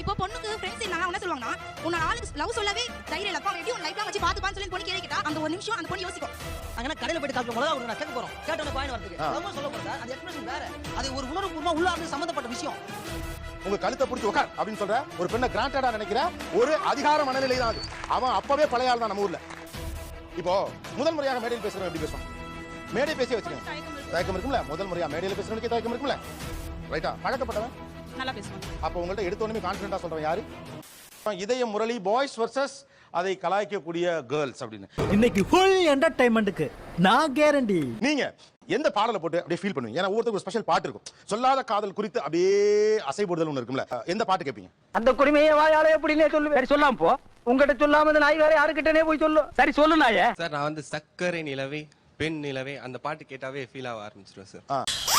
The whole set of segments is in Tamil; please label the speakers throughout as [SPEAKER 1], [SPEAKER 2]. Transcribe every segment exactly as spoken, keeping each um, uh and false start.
[SPEAKER 1] இப்போ பொண்ணுக்கு ஃப்ரெண்ட்ஸ் இருந்தாங்க என்ன சொல்லுவாங்கன்னா உன்னோட ஆளுக்கு லவ் சொல்லவே தைரியம் இல்ல எப்படி உன் லைஃப்ல வச்சு பாத்து பாத்து சொல்லி பொண்ணு கேள்வி கேட்டா அந்த ஒரு நிமிஷம் அந்த பொண்ணு யோசிக்கும்.
[SPEAKER 2] அங்க கடையில போயிட்டு காப்பி மிளகா ஒரு நான் கேட்க போறோம் கேட்டோட பாயிண்ட் வரதுக்கு ரொம்ப சொல்ல போறா அது எக்ஸ்பிரஷன் வேற அது ஒரு உணர்வுபூர்வமா உள்ளார்ந்து சம்பந்தப்பட்ட விஷயம்.
[SPEAKER 3] உங்க கழுத்தை பிடிச்சி உட்கார் அப்படின்னு சொல்ற ஒரு பெண்ணை கிராண்டடா நினைக்கிற ஒரு அதிகார மனநிலை தான் அது. அவன் அப்பவே பழைய ஆள் தான் நம்ம ஊர்ல. இப்போ முதல் முறையாக மேடையில் பேசுறவன் எப்படி பேசுவான்? மேடை பேசி வச்சுக்கோங்க. தயக்கம் இருக்கும்ல, முதல் முறையா மேடையில் பேசுறவனுக்கு தயக்கம் இருக்கும்ல, ரைட்டா? பழக்கப்பட்டவன்
[SPEAKER 1] நல்லா பேசுவான்.
[SPEAKER 3] அப்ப உங்கள்ட்ட எடுத்த உடனே கான்ஃபிடென்ட்டா சொல்றவன் யாரு? இதய முரளி பாய்ஸ் வர்சஸ் அதை கலாய்க்கக்கூடிய கேர்ள்ஸ் அப்படின்னு.
[SPEAKER 4] இன்னைக்கு ஃபுல் என்டர்டைன்மெண்ட்டுக்கு நான் கேரண்டி.
[SPEAKER 3] நீங்க எந்த பாடலை போட்டு அப்படியே ஃபீல் பண்ணுவீங்க? ஏன்னா ஒவ்வொருத்தருக்கு ஒரு ஸ்பெஷல் பாட்டு இருக்கும். சொல்லாத காதல் குறித்து அப்படியே அசைபோடுதல் ஒன்று இருக்கும்ல, எந்த பாட்டு கேட்பீங்க?
[SPEAKER 5] அந்த குடிமையை வாயாலே எப்படினே சொல்லுவேன். சரி சொல்லாம போ. உங்ககிட்ட சொல்லாம இந்த நாய் வேற யாருக்கிட்டனே போய் சொல்லு. சரி சொல்லு நாயே.
[SPEAKER 6] சார் நான் வந்து சக்கரை நிலவே பெண் நிலவே அந்த பாட்டு கேட்டாவே ஃபீல் ஆக ஆரம்பிச்சிருவேன் சார்.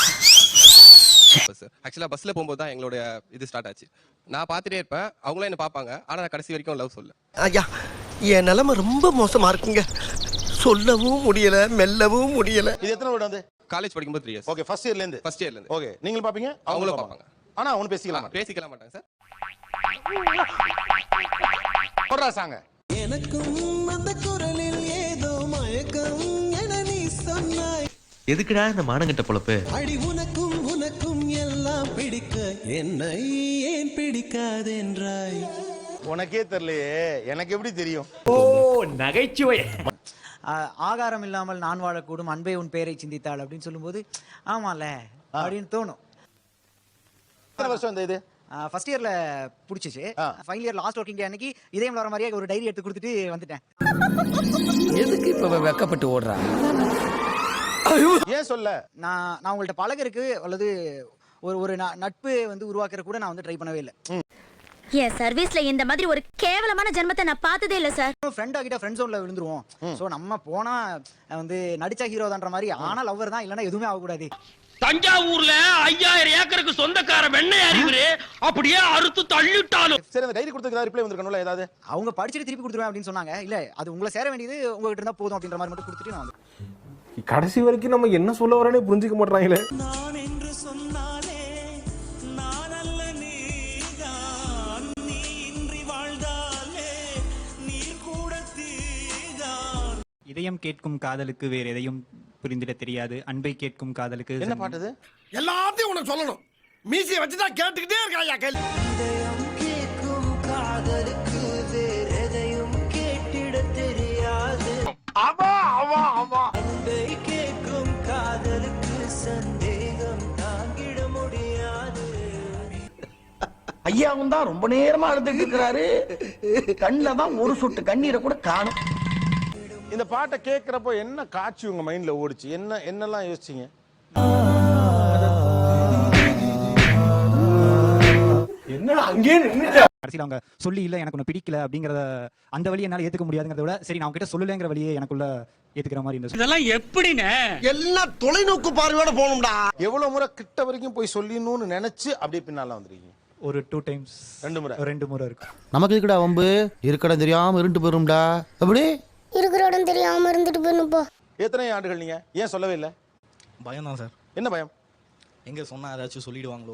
[SPEAKER 6] சார் ஆக்சுவலா பஸ்ல போகும்போது தான் எங்களோட இது ஸ்டார்ட் ஆச்சு. நான் பார்த்துட்டே இருப்பேன், அவங்களும் என்ன பார்ப்பாங்க, ஆனா நான் கடைசி வரைக்கும் லவ் சொல்ல.
[SPEAKER 7] ஐயா என் நிலைமை ரொம்ப மோசமா இருக்குங்க, சொல்லவும் முடியல மெல்லவும் முடியல.
[SPEAKER 3] இது எத்தனை வருடம் வந்து?
[SPEAKER 6] காலேஜ் படிக்கும்போது த்ரீ இயர்ஸ்.
[SPEAKER 3] ஓகே, ஃபர்ஸ்ட் இயர்ல இருந்து.
[SPEAKER 6] ஃபர்ஸ்ட் இயர்ல இருந்து.
[SPEAKER 3] ஓகே, நீங்களும் பாப்பீங்க
[SPEAKER 6] அவங்களும் பார்ப்பாங்க.
[SPEAKER 3] ஆனா அவனு பேசிக்கலாம்
[SPEAKER 6] பேசிக்கலாம் மாட்டாங்க சார்.
[SPEAKER 3] போடுறா சாங்க.
[SPEAKER 7] எனக்கும் அந்த குரலில் ஏதோ மயக்கம் என நீ சொன்னாய்.
[SPEAKER 8] எதுக்குடா இந்த மானங்கட்ட பொழப்பு?
[SPEAKER 7] அடி உனக்கும் உனக்கும் எல்லாம் பிடிக்க என்னை ஏன் பிடிக்காதென்றாய்.
[SPEAKER 3] உனக்கே தெரியலையே, எனக்கு எப்படி தெரியும்?
[SPEAKER 4] ஓ நகைச்சுவை.
[SPEAKER 2] ஆகாரம் இல்லாமல் நான் வாழக்கூடும் அன்பே உன் பேரை சிந்தித்தாள் அப்படின்னு சொல்லும்போது ஆமால அப்படின்னு தோணும்.
[SPEAKER 3] எத்தனை வருஷம் இந்த இது?
[SPEAKER 2] ஃபர்ஸ்ட் இயர்ல புடிச்சிச்சு. Final year last working day அன்னைக்கு இதயம் வர மாதிரியே ஒரு டைரி எடுத்து கொடுத்துட்டு வந்துட்டேன்.
[SPEAKER 5] எதுக்கு இப்ப வெக்கப்பட்டு ஓடுறா?
[SPEAKER 3] ஏன் சொல்ல?
[SPEAKER 2] நான் நான் உங்கள்ட்ட பழகருக்கு அல்லது ஒரு ஒரு நட்பு வந்து உருவாக்குற கூட நான் வந்து ட்ரை பண்ணவே இல்லை.
[SPEAKER 1] என் சர்வீஸ்ல இந்த மாதிரி ஒரு கேவலமான ஜென்மத்தை நான் பார்த்ததே இல்ல சார்.
[SPEAKER 2] ஃப்ரெண்ட் ஆகிட்ட ஃப்ரெண்ட் ஜோன்ல விழுந்துருவோம். சோ நம்ம போனா வந்து நடிச்சா ஹீரோ தான்ற மாதிரி, ஆனா லவ்வர் தான் இல்லனா எதுவுமே ஆக கூடாது.
[SPEAKER 5] தஞ்சாவூர்ல ஐயாயிரம் ஏக்கருக்கு சொந்தக்கார வெண்ணெய் அறிவுரு அப்படியே அறுத்து தள்ளிட்டாலும்.
[SPEAKER 3] சரி, அந்த டைரி கொடுத்ததுக்கு ரிப்ளை வந்திருக்கணும்ல ஏதாவது?
[SPEAKER 2] அவங்க படிச்சிட்டு திருப்பி கொடுத்துருவேன் அப்படின்னு சொன்னாங்க. இல்ல அது உங்களை சேர வேண்டியது உங்ககிட்ட இருந்தா போதும் அப்படின்ற மாதிரி மட்டும் கொடுத்துட்டு நான் வந்து
[SPEAKER 9] கடைசி வரைக்கும் நம்ம என்ன சொல்ல வரேன்னு புரிஞ்சுக்க மாட்டாங்களே.
[SPEAKER 7] நான் என்று சொன்னாலே நான் அல்ல நீதான், நீ இன்றி வாழ்ந்தாலே நீ கூட தீதான்.
[SPEAKER 4] இதயம் கேட்கும் காதலுக்கு வேற எதையும் புரிந்திட தெரியாது, அன்பை கேட்கும் காதலுக்கு.
[SPEAKER 3] என்ன பாட்டுது?
[SPEAKER 7] எல்லாத்தையும் உனக்கு சொல்லணும், மீசியை வச்சுதான் கேட்டுக்கிட்டே இருக்காயா கேள்வி. இதயம் கேட்கும் காதலுக்கு வேற எதையும் கேட்டிட தெரியாது. ஆமா ஆமா ஆமா. அன்பை கேட்கும் காதலுக்கு சந்தேகம் தாங்கிட முடியாது.
[SPEAKER 5] ஐயாவும் தான் ரொம்ப நேரமா அழுதுட்டு இருக்கிறாரு. கண்ணுல தான் ஒரு சொட்டு கண்ணீரை கூட காணும்.
[SPEAKER 3] இந்த பாட்டை கேட்கிறப்போ என்ன காட்சி உங்க மைண்ட்ல ஓடிச்சு? என்ன என்னெல்லாம் யோசிச்சீங்க?
[SPEAKER 9] என்ன அங்கேயே நின்னுட்ட?
[SPEAKER 4] கடைசியில் அவங்க சொல்லி இல்ல எனக்கு ஒன்று பிடிக்கல அப்படிங்கறத அந்த வழியை என்னால ஏத்துக்க முடியாதுங்கிறத விட சரி நான் கிட்ட சொல்லலைங்கிற வழியை எனக்குள்ள ஏத்துக்கிற மாதிரி இருந்துச்சு.
[SPEAKER 5] இதெல்லாம் எப்படின்னு
[SPEAKER 7] எல்லாம் தொலைநோக்கு பார்வையோட போகணும்டா.
[SPEAKER 3] எவ்வளவு முறை கிட்ட வரைக்கும் போய் சொல்லிடணும்னு நினைச்சு அப்படியே பின்னால வந்துருக்கீங்க?
[SPEAKER 4] ஒரு டூ டைம்ஸ்.
[SPEAKER 3] ரெண்டு முறை?
[SPEAKER 4] ரெண்டு முறை இருக்கு.
[SPEAKER 8] நமக்கு இருக்குடா வம்பு, இருக்கடா தெரியாம இருண்டு போயிரும்டா. அப்படி
[SPEAKER 1] இருக்கிற இடம் தெரியாம இருந்துட்டு போயிடணும் போ.
[SPEAKER 3] எத்தனை ஆண்டுகள் நீங்க ஏன் சொல்லவே இல்லை?
[SPEAKER 10] பயம் தான் சார்.
[SPEAKER 3] என்ன பயம்?
[SPEAKER 10] எங்க சொன்னா ஏதாச்சும் சொல்லிடுவாங்களோ.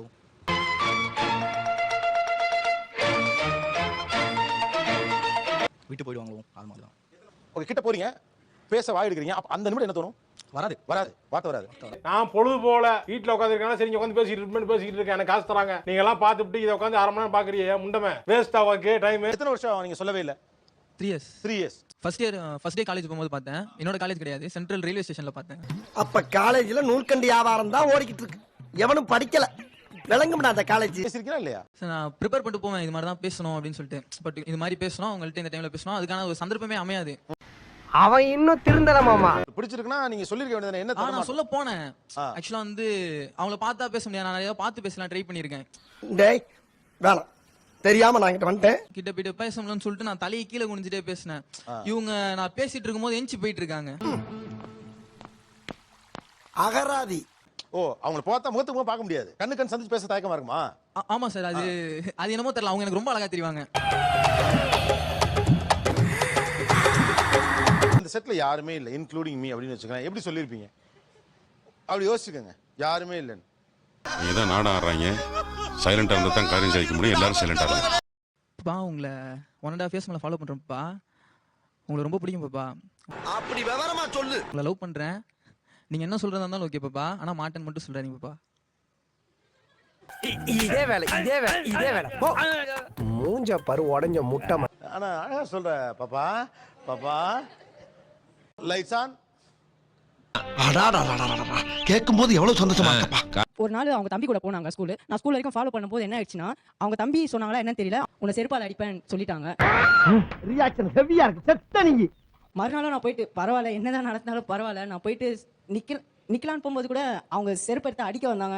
[SPEAKER 10] விட்டு போயிடுவாங்களோ அது மாதிரி தான்.
[SPEAKER 3] ஓகே, கிட்ட போறீங்க, பேச வாய் எடுக்கிறீங்க, அப்ப அந்த நிமிடம் என்ன தோணும்?
[SPEAKER 10] வராது
[SPEAKER 3] வராது, வார்த்தை வராது.
[SPEAKER 9] நான் பொழுது போல வீட்டுல உட்காந்துருக்கேன், சரி உட்காந்து பேசிட்டு இருப்பேன் பேசிட்டு இருக்கேன், எனக்கு காசு தராங்க, நீங்க எல்லாம் பார்த்துட்டு இதை உட்காந்து அரை மணி நேரம் பாக்குறீங்க, முண்டமே வேஸ்ட் ஆவாக்கு டைம்.
[SPEAKER 3] எத்தனை வருஷம் நீங்க சொல்லவே இல்லை?
[SPEAKER 10] Three years.
[SPEAKER 3] Three years.
[SPEAKER 10] First year first day college போகும்போது பார்த்தேன். என்னோட காலேஜ் கிடையாது, சென்ட்ரல் ரயில்வே ஸ்டேஷன்ல பார்த்தேன்.
[SPEAKER 7] அப்ப காலேஜ்ல நூல்கண்டி வியாபாரம் தான் ஓடிக்கிட்டு இருக்கு, எவனும் படிக்கல. விளங்கும்டா அந்த காலேஜ்.
[SPEAKER 3] பேசிருக்கீங்களா இல்லையா?
[SPEAKER 10] நான் ப்ரிப்பேர் பண்ணிட்டு போவேன் இது மாதிரி தான் பேசணும் அப்படின்னு சொல்லிட்டு. பட் இது மாதிரி பேசணும் அவங்கள்ட்ட இந்த டைம்ல பேசணும், அதுக்கான ஒரு சந்தர்ப்பமே அமையாது.
[SPEAKER 5] அவன் இன்னும் திருந்தல மாமா.
[SPEAKER 3] பிடிச்சிருக்குன்னா நீங்க சொல்லிருக்க வேண்டியது என்ன?
[SPEAKER 10] ஆ நான் சொல்ல போனேன். ஆக்சுவலா வந்து அவங்கள பார்த்தா பேச முடியாது, நான் நிறைய பார்த்து பேசலாம் ட்ரை பண்ணியிருக்கேன்.
[SPEAKER 7] டேய் வேணாம், தெரியாம நான் கிட்ட வந்துட்டேன்.
[SPEAKER 10] கிட்ட போயிட்டு பேச முடியலன்னு சொல்லிட்டு நான் தலையை கீழே குனிஞ்சிட்டே பேசினேன். இவங்க நான் பேசிட்டு இருக்கும்போது எஞ்சி போயிட்டு இருக்காங்க.
[SPEAKER 7] அகராதி.
[SPEAKER 3] ஓ, அவங்கள பார்த்தா முகத்துக்கு முகம் பார்க்க முடியாது, கண்ணு கண் சந்திச்சு பேச தயக்கமா இருக்குமா?
[SPEAKER 10] ஆமா சார், அது அது என்னமோ தெரியல, அவங்க எனக்கு ரொம்ப அழகா தெரிவாங்க.
[SPEAKER 3] இந்த செட்ல யாருமே இல்லை இன்க்ளூடிங் மீ அப்படின்னு வச்சுக்கோங்க, எப்படி சொல்லியிருப்பீங்க? அப்படி யோசிச்சுக்கோங்க, யாருமே இல்லைன்னு.
[SPEAKER 11] நீதான் நாடகம் ஆடுறாங்க, சைலண்டா இருந்தா தான் காரியம் சாதிக்க முடியும், எல்லாரும் சைலண்டா இருங்க.
[SPEAKER 10] பா உங்களை ஒன் அண்ட் ஹாஃப் இயர்ஸ் மேலே ஃபாலோ பண்ணுறேன்ப்பா. உங்களை ரொம்ப பிடிக்கும் பாப்பா.
[SPEAKER 7] அப்படி விவரமா சொல்லு.
[SPEAKER 10] உங்களை லவ் பண்ணுறேன். நீங்கள் என்ன சொல்கிறதா இருந்தாலும் ஓகே பாப்பா. ஆனால் மாட்டேன்னு மட்டும் சொல்கிறாங்க பாப்பா.
[SPEAKER 7] இதே வேலை இதே வேலை இதே வேலை போ. மூஞ்ச பரு உடஞ்ச முட்டை.
[SPEAKER 3] ஆனா அழகா சொல்ற பாப்பா பாப்பா. Lights on.
[SPEAKER 7] கேட்கும் போது எவ்வளவு சந்தோஷமா இருக்கப்பா.
[SPEAKER 1] ஒரு நாள் அவங்க தம்பி கூட போனாங்க ஸ்கூல். நான் ஸ்கூல் வரைக்கும் ஃபாலோ பண்ணும்போது என்ன ஆயிடுச்சுன்னா, அவங்க தம்பி சொன்னாங்களா என்னன்னு தெரியல, உன்னை செருப்பால் அடிப்பேன்னு சொல்லிட்டாங்க.
[SPEAKER 7] ரியாக்ஷன் ஹெவியா இருக்கு. செத்த நீங்க.
[SPEAKER 1] மறுநாளும் நான் போயிட்டு பரவாயில்ல என்னதான் நடந்தாலும் பரவாயில்ல, நான் போயிட்டு நிக்க நிக்கலான்னு போகும்போது கூட அவங்க செருப்பு எடுத்து அடிக்க வந்தாங்க.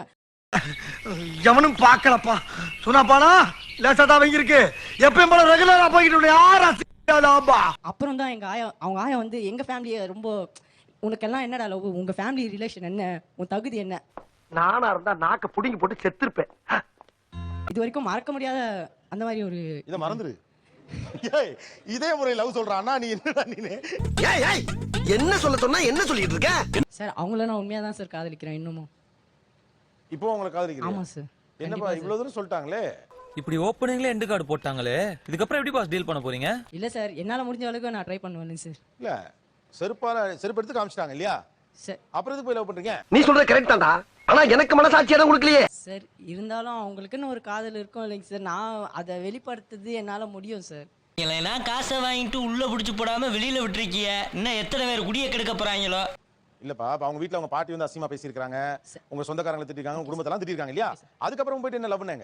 [SPEAKER 7] எவனும் பாக்கலப்பா. சொன்னாப்பானா லேசாதான் வாங்கி இருக்கு. எப்பயும் போல ரெகுலரா போய்கிட்டு யாரா.
[SPEAKER 1] அப்புறம் தான் எங்க ஆயா அவங்க ஆயா வந்து எங்க ஃபேமிலியை ரொம்ப, உனக்கெல்லாம் என்னடா லவ், உங்க ஃபேமிலி ரிலேஷன் என்ன, உன் தகுதி என்ன.
[SPEAKER 7] நானா இருந்தா நாக்க புடிங்கி போட்டு செத்துருப்பேன்.
[SPEAKER 1] இது வரைக்கும் மறக்க முடியாத அந்த மாதிரி ஒரு
[SPEAKER 3] இத மறந்துரு. ஏய் இதே முறை லவ் சொல்றானா நீ என்னடா நீ?
[SPEAKER 7] ஏய் ஏய் என்ன சொல்ல சொன்னா என்ன சொல்லிட்டு இருக்க?
[SPEAKER 1] சார் அவங்கள நான் உண்மையா தான் சார் காதலிக்கிறேன் இன்னமும்.
[SPEAKER 3] இப்போ உங்களை காதலிக்கிறீங்க?
[SPEAKER 1] ஆமா சார்.
[SPEAKER 3] என்னப்பா இவ்வளவு தூரம் சொல்லிட்டாங்களே.
[SPEAKER 11] இப்படி ஓப்பனிங்ல எண்ட் கார்டு போட்டாங்களே, இதுக்கப்புறம் எப்படி பாஸ் டீல் பண்ண போறீங்க?
[SPEAKER 1] இல்ல சார் என்னால முடிஞ்ச அளவுக்கு நான் ட்ரை பண்ணுவேன் சார்.
[SPEAKER 3] இல்ல செருப்பால செருப்பு எடுத்து காமிச்சிட்டாங்க இல்லையா
[SPEAKER 1] சார்.
[SPEAKER 3] அப்புறம் எதுக்கு போய் லவ் பண்றீங்க?
[SPEAKER 7] நீ சொல்றது கரெக்ட் தான்டா. ஆனா எனக்கு மனசாட்சி எதுவும் கொடுக்கலையே
[SPEAKER 1] சார். இருந்தாலும் அவங்களுக்குன்னு ஒரு காதல் இருக்கும் இல்லைங்க சார். நான் அதை வெளிப்படுத்துறது என்னால முடியும் சார்.
[SPEAKER 5] இல்லைன்னா காசை வாங்கிட்டு உள்ள புடிச்சு போடாம வெளியில விட்டுருக்கிய, இன்னும் எத்தனை பேர் குடிய கெடுக்க போறாங்களோ.
[SPEAKER 3] இல்லப்பா அவங்க வீட்ல அவங்க பாட்டி வந்து அசிங்கமா பேசியிருக்காங்க, உங்க சொந்தக்காரங்களை திட்டிருக்காங்க, உங்க குடும்பத்தெல்லாம் திட்டிருக்காங்க இல்லையா? அதுக்கப்புறம் போயிட்டு என்ன லவ் பண்ணாங்க?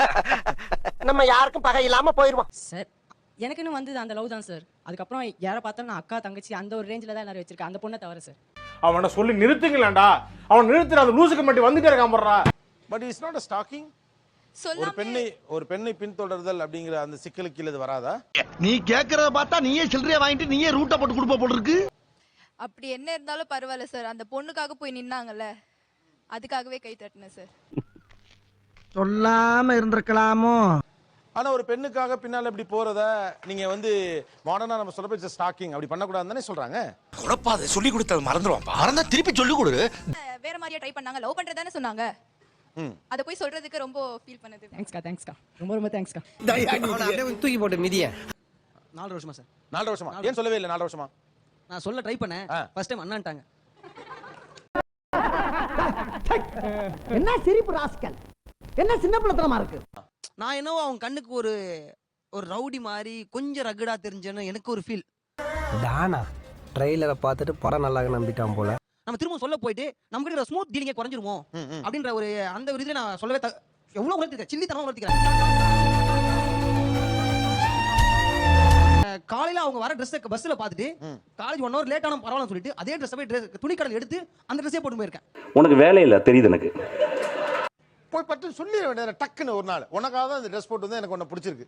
[SPEAKER 7] நம்ம யாருக்கும் பகை இல்லாம போயிருவோம்
[SPEAKER 1] சார். எனக்குன்னு வந்தது அந்த லவ் தான் சார். அதுக்கப்புறம் யாரை பார்த்தாலும் நான் அக்கா தங்கச்சி அந்த ஒரு ரேஞ்சில் தான் எல்லாரும் வச்சிருக்கேன். அந்த பொண்ணை தவிர சார்.
[SPEAKER 9] அவனை சொல்லி நிறுத்துங்களேன்டா. அவன் நிறுத்துற அந்த லூசுக்கு மட்டும் வந்துட்டே இருக்கான் போடுறா.
[SPEAKER 3] But it's not a stalking. ஒரு பெண்ணை ஒரு பெண்ணை பின்தொடர்தல் அப்படிங்கிற அந்த சிக்கலுக்கு இது வராதா?
[SPEAKER 7] நீ கேக்குறத பார்த்தா நீயே சில்லறைய வாங்கிட்டு நீயே ரூட்ட போட்டு கொடுப்ப போல இருக்கு.
[SPEAKER 1] அப்படி என்ன இருந்தாலும் பரவாயில்ல சார். அந்த பொண்ணுக்காக போய் நின்னாங்கல்ல, அதுக்காகவே கை தட்டினேன் சார்.
[SPEAKER 7] சொல்லாம இருந்திருக்கலாமோ.
[SPEAKER 3] ஆனா ஒரு பெண்ணுக்காக பின்னால இப்படி போறத நீங்க வந்து மாடர்னா நம்ம சொல்ற பேர் ஸ்டாக்கிங் அப்படி பண்ண கூடாதுன்னு தானே சொல்றாங்க.
[SPEAKER 7] குழப்பாத சொல்லி கொடுத்தது மறந்துடுவாப்பா. மறந்தா திருப்பி சொல்லி கொடு.
[SPEAKER 1] வேற மாதிரியா ட்ரை பண்ணாங்க. லவ் பண்றதானே சொன்னாங்க. அத போய் சொல்றதுக்கு ரொம்ப ஃபீல் பண்ணது. தேங்க்ஸ்க்கா தேங்க்ஸ்க்கா ரொம்ப ரொம்ப தேங்க்ஸ்க்கா.
[SPEAKER 7] தூக்கி போட்டு மிதிய.
[SPEAKER 2] நாலு வருஷமா சார்.
[SPEAKER 3] நாலு வருஷமா ஏன் சொல்லவே இல்லை? நாலு வருஷமா
[SPEAKER 2] நான் சொல்ல ட்ரை பண்ணேன். ஃபர்ஸ்ட் டைம் அண்ணான்ட்டாங்க.
[SPEAKER 7] என்ன சிரிப்பு ராஸ்கல். என்ன சின்ன பிள்ளைத்தனமா இருக்கு.
[SPEAKER 2] நான் என்னவோ அவங்க கண்ணுக்கு ஒரு ஒரு ரவுடி மாதிரி கொஞ்சம் ரகடா தெரிஞ்சேன்னு எனக்கு ஒரு ஃபீல்.
[SPEAKER 7] டானா ட்ரெய்லரை பார்த்துட்டு படம் நல்லா நம்பிட்டான் போல.
[SPEAKER 2] நம்ம திரும்ப சொல்ல போயிட்டு நம்ம கிட்ட ஸ்மூத் டீலிங்கே குறைஞ்சிருவோம் அப்படின்ற ஒரு அந்த ஒரு இதுல நான் சொல்லவே எவ்வளவு உணர்த்திருக்கேன். சில்லித்தனம் உணர்த்திக்கிறேன். காலையில அவங்க வர ட்ரெஸ் பஸ்ல பாத்துட்டு காலேஜ் ஒன் ஹவர் லேட் ஆனா பரவாயில்ல சொல்லிட்டு அதே ட்ரெஸ் போய் துணி கடையில் எடுத்து அந்த ட்ரெஸ்ஸே போட்டு போயிருக்கேன்.
[SPEAKER 11] உனக்கு வேலை இல்ல தெரியுது எனக்கு.
[SPEAKER 3] போய் பட்டு சொல்லி வேண்டியது டக்குன்னு ஒரு நாள் உனக்காக தான் இந்த ட்ரெஸ் போட்டு வந்து எனக்கு ஒன்னு பிடிச்சிருக்கு.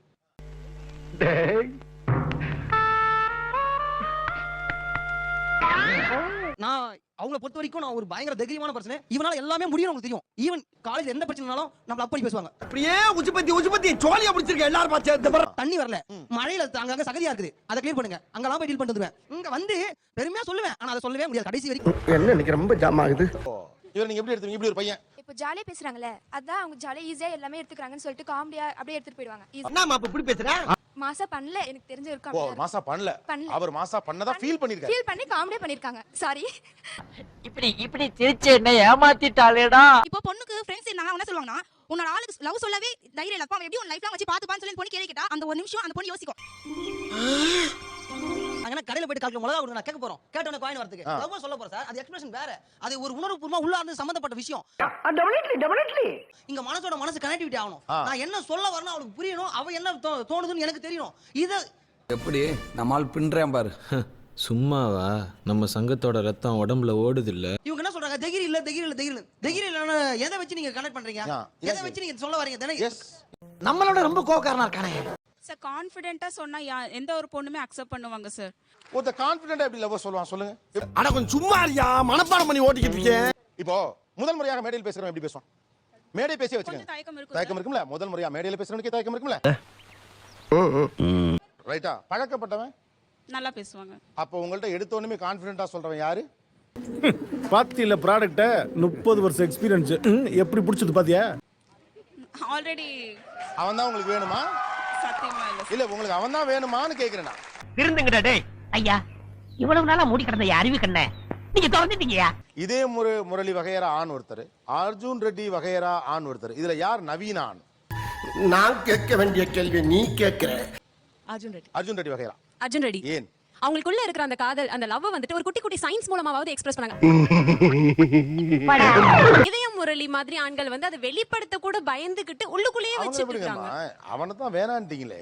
[SPEAKER 2] நான் அவங்கள பொறுத்த வரைக்கும் நான் ஒரு பயங்கர தைரியமான பர்சன். இவனால எல்லாமே முடியும் உங்களுக்கு தெரியும். ஈவன் காலேஜ் எந்த பிரச்சனைனாலும் நம்மள அப்படி பேசுவாங்க.
[SPEAKER 7] அப்படியே உஜுபத்தி உஜுபத்தி ஜோலியா பிடிச்சிருக்க எல்லாரும் பாத்து. இந்த பர
[SPEAKER 2] தண்ணி வரல, மழையில அங்கங்க சகதியா இருக்குது, அதை க்ளீன் பண்ணுங்க. அங்கலாம் போய் டீல் பண்ணிட்டு வந்துருவேன். இங்க வந்து பெருமையா சொல்லுவேன், ஆனா அதை சொல்லவே முடியாது கடைசி வரைக்கும்.
[SPEAKER 7] என்ன இன்னைக்கு ரொம்ப ஜாம் ஆகுது.
[SPEAKER 3] இவர் நீங்க எப்படி எடுத்தீங்க? இப்படி ஒரு பையன்
[SPEAKER 1] இப்போ ஜாலியா பேசுறாங்கல, அதான் அவங்க ஜாலியா ஈஸியா எல்லாமே எடுத்துக்கறாங்கன்னு சொல்லிட்டு காமெடியா அப்படியே எடுத்துட்டு போயிடுவாங்க.
[SPEAKER 7] என்னமா அப்ப இப்படி பேசுற?
[SPEAKER 1] மாசா பண்ணல எனக்கு தெரிஞ்ச
[SPEAKER 3] ஓ
[SPEAKER 1] இருக்கும்.
[SPEAKER 3] மாசா பண்ணல. அவர் மாசா பண்ணதா ஃபீல் பண்ணிருக்காரு.
[SPEAKER 1] ஃபீல் பண்ணி காமெடியா பண்ணிருக்காங்க. சாரி.
[SPEAKER 5] இப்படி இப்படி திருச்சி என்ன ஏமாத்திட்டாளேடா.
[SPEAKER 1] இப்போ பொண்ணுக்கு ஃப்ரெண்ட்ஸ் இருந்தாங்க, என்ன சொல்லுவாங்கன்னா, உன்னோட ஆளுக்கு லவ் சொல்லவே தைரியம் இல்ல, அவன் எப்படி உன் லைஃப்ல வச்சு பாத்துப்பான்னு சொல்லி பொண்ணு கேள்வி கேட்டா அந்த ஒரு நிமிஷம் அந்த பொண்ணு யோசிக்கும்.
[SPEAKER 2] அங்க கடையில போயிட்டு கால் கிலோ மிளகா கொடுங்க நான் கேட்க போறோம். கேட்டவன காயின் வரதுக்கு லவ் சொல்ல போறேன் சார். அது எக்ஸ்பிரஷன் வேற. அது ஒரு உணர்வுபூர்வமா உள்ளார்ந்து சம்பந்தப்பட்ட விஷயம்.
[SPEAKER 7] டெஃபினெட்லி டெஃபினெட்லி
[SPEAKER 2] இங்க மனசோட மனசு கனெக்டிவிட்டி ஆகணும். நான் என்ன சொல்ல வரணும் அவளுக்கு புரியணும், அவ என்ன தோணுதுன்னு எனக்கு தெரியணும். இது
[SPEAKER 11] எப்படி நம்மால் பின்றேன் பாரு. சும்மாவா? நம்ம சங்கத்தோட ரத்தம் உடம்புல ஓடுது இல்ல.
[SPEAKER 2] இவங்க என்ன சொல்றாங்க? தைரியம் இல்ல தைரியம் இல்ல தைரியம் இல்ல தைரியம் இல்லன்னு எதை வச்சு நீங்க கனெக்ட் பண்றீங்க? எதை வச்சு நீங்க சொல்ல வரீங்க? தானே
[SPEAKER 7] நம்மளோட ரொம்ப கோவக்காரனா இருக்கானே
[SPEAKER 1] சார். கான்ஃபிடென்ட்டா சொன்னா எந்த ஒரு பொண்ணுமே அக்செப்ட் பண்ணுவாங்க சார்.
[SPEAKER 3] ஒருத்த கான்ஃபிடென்ட்டா எப்படி லவ் சொல்லுவான் சொல்லுங்க.
[SPEAKER 7] அட கொஞ்சம் சும்மா இருயா, மனப்பாடம் பண்ணி ஓட்டிக்கிட்டு இருக்கேன்.
[SPEAKER 3] இப்போ முதல் முறையாக மேடையில் பேசுறவன் எப்படி பேசுவான்? மேடை பேசி வச்சுக்கோங்க.
[SPEAKER 1] தயக்கம் இருக்கும்.
[SPEAKER 3] தயக்கம் இருக்கும்ல? முதல் முறையா மேடையில் பேசுறவனுக்கு தயக்கம் இருக்கும்ல? ரைட்டா? பழக்கப்பட்டவன்
[SPEAKER 1] நல்லா பேசுவாங்க.
[SPEAKER 3] அப்போ உங்கள்ட்ட எடுத்த உடனே கான்ஃபிடென்ட்டா சொல்றவன் யாரு?
[SPEAKER 9] பாத்தியில ப்ராடக்ட்ட முப்பது வருஷம் எக்ஸ்பீரியன்ஸ் எப்படி பிடிச்சது பாத்தியா?
[SPEAKER 1] ஆல்ரெடி
[SPEAKER 3] அவன் தான் உங்களுக்கு வேணுமா?
[SPEAKER 1] சத்தியமா இல்ல
[SPEAKER 3] இல்ல உங்களுக்கு அவன் தான் வேணுமான்னு கேக்குறேன் நான்.
[SPEAKER 5] திருந்துங்கடா டேய்
[SPEAKER 1] ஐயா இவ்வளவு நாளா மூடி கிடந்த அறிவு கண்ண நீங்க திறந்துட்டீங்கயா.
[SPEAKER 3] இதே முரு முரளி வகையரா ஆண் ஒருத்தர், அர்ஜுன் ரெட்டி வகையரா ஆண் ஒருத்தர். இதுல யார் நவீன ஆண்?
[SPEAKER 7] நான் கேட்க வேண்டிய கேள்வி நீ கேட்கிற.
[SPEAKER 1] அர்ஜுன் ரெட்டி.
[SPEAKER 3] அர்ஜுன் ரெட்டி வகையரா.
[SPEAKER 1] அர்ஜுன் ரெட்டி.
[SPEAKER 3] ஏன்?
[SPEAKER 1] அவங்களுக்குள்ள இருக்கிற அந்த காதல், அந்த லவ் வந்துட்டு ஒரு குட்டி குட்டி சயின்ஸ் மூலமாவது எக்ஸ்பிரஸ் பண்ணாங்க. இதயம் முரளி மாதிரி ஆண்கள் வந்து அதை வெளிப்படுத்த கூட பயந்துகிட்டு உள்ளுக்குள்ளேயே வச்சிட்டு இருக்காங்க.
[SPEAKER 3] அவனை தான் வேணான்ட்டீங்களே.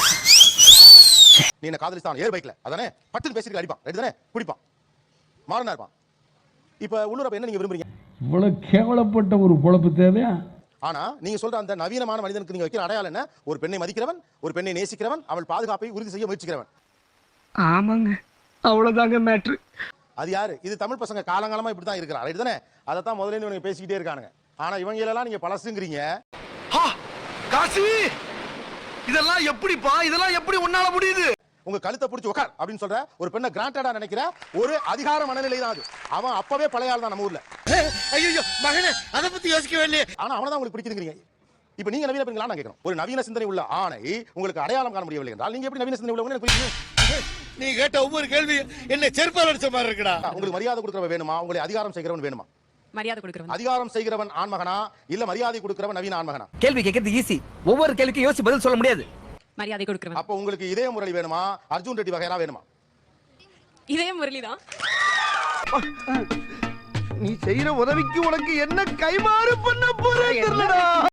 [SPEAKER 3] நீ என்ன காதலிஸ்தான் ஏர் பைக்ல அதானே பட்டுன்னு பேசிட்டு அடிப்பான், ரைட் தானே, குடிப்பான், மாறனா இருப்பான். இப்ப உள்ளூர் என்ன நீங்க விரும்புறீங்க?
[SPEAKER 9] இவ்வளவு கேவலப்பட்ட ஒரு பொழப்பு தேவையா?
[SPEAKER 3] ஆனா நீங்க சொல்ற அந்த நவீனமான மனிதனுக்கு நீங்க வைக்கிற அடையாளம் என்ன? ஒரு பெண்ணை மதிக்கிறவன், ஒரு பெண்ணை நேசிக்கிறவன், அவள் பாதுகாப்பை உறுதி செய்ய முயற்சிக்கிறவன்.
[SPEAKER 7] ஆமாங்க, அவ்வளவுதாங்க மேட்ரு.
[SPEAKER 3] அது யாரு? இது தமிழ் பசங்க காலங்காலமா இப்படிதான் இருக்கிறான், ரைட் தானே? அதை தான் முதல்ல இவங்க பேசிக்கிட்டே இருக்கானுங்க. ஆனா இவங்க எல்லாம் நீங்க பழசுங்கிறீங்க.
[SPEAKER 7] காசி, இதெல்லாம் எப்படிப்பா? இதெல்லாம் எப்படி உன்னால முடியுது?
[SPEAKER 3] உங்க கழுத்தை பிடிச்சி உட்கார் அப்படின்னு சொல்ற ஒரு பெண்ணை கிராண்டடா நினைக்கிற ஒரு அதிகார மனநிலை தான் அது. அவன் அப்பவே பழைய ஆள் தான் நம்ம ஊர்ல.
[SPEAKER 7] ஐயோ மகனே, அத பத்தி யோசிக்கவே இல்லையே.
[SPEAKER 3] ஆனா அவனை தான் உங்களுக்கு பிடிக்குதுங்கிறீங்க. இப்ப நீங்க நவீன பெண்களா நான் கேட்கணும். ஒரு நவீன சிந்தனை உள்ள ஆணை உங்களுக்கு அடையாளம் காண முடியவில்லை என்றால் நீங்க எப்படி நவீன சிந்தனை உள்ளவங்க எனக்கு புரியுது.
[SPEAKER 7] நீ கேட்ட ஒவ்வொரு கேள்வி என்ன செருப்பால் அடிச்ச மாதிரி இருக்குடா.
[SPEAKER 3] உங்களுக்கு மரியாதை கொடுக்கிறவன் வேணுமா? உங்களை அதிகாரம் செய்கிறவன் வேணுமா?
[SPEAKER 1] மரியாதை கொடுக்கிறவன்.
[SPEAKER 3] அதிகாரம் செய்கிறவன் ஆண்மகனா இல்ல மரியாதை கொடுக்கிறவன் நவீன ஆண்மகனா?
[SPEAKER 7] கேள்வி கேட்கறது ஈஸி, ஒவ்வொரு கேள்விக்கும் யோசிச்சு பதில் சொல்ல முடியாது.
[SPEAKER 1] மரியாதை கொடுக்கிறவன்.
[SPEAKER 3] அப்ப உங்களுக்கு இதய முரளி வேணுமா? அர்ஜுன் ரெட்டி வகையரா வேணுமா?
[SPEAKER 1] இதயம் முரளி தான்.
[SPEAKER 7] நீ செய்யற உதவிக்கு உனக்கு என்ன கைமாறு பண்ண போறே தெரியலடா.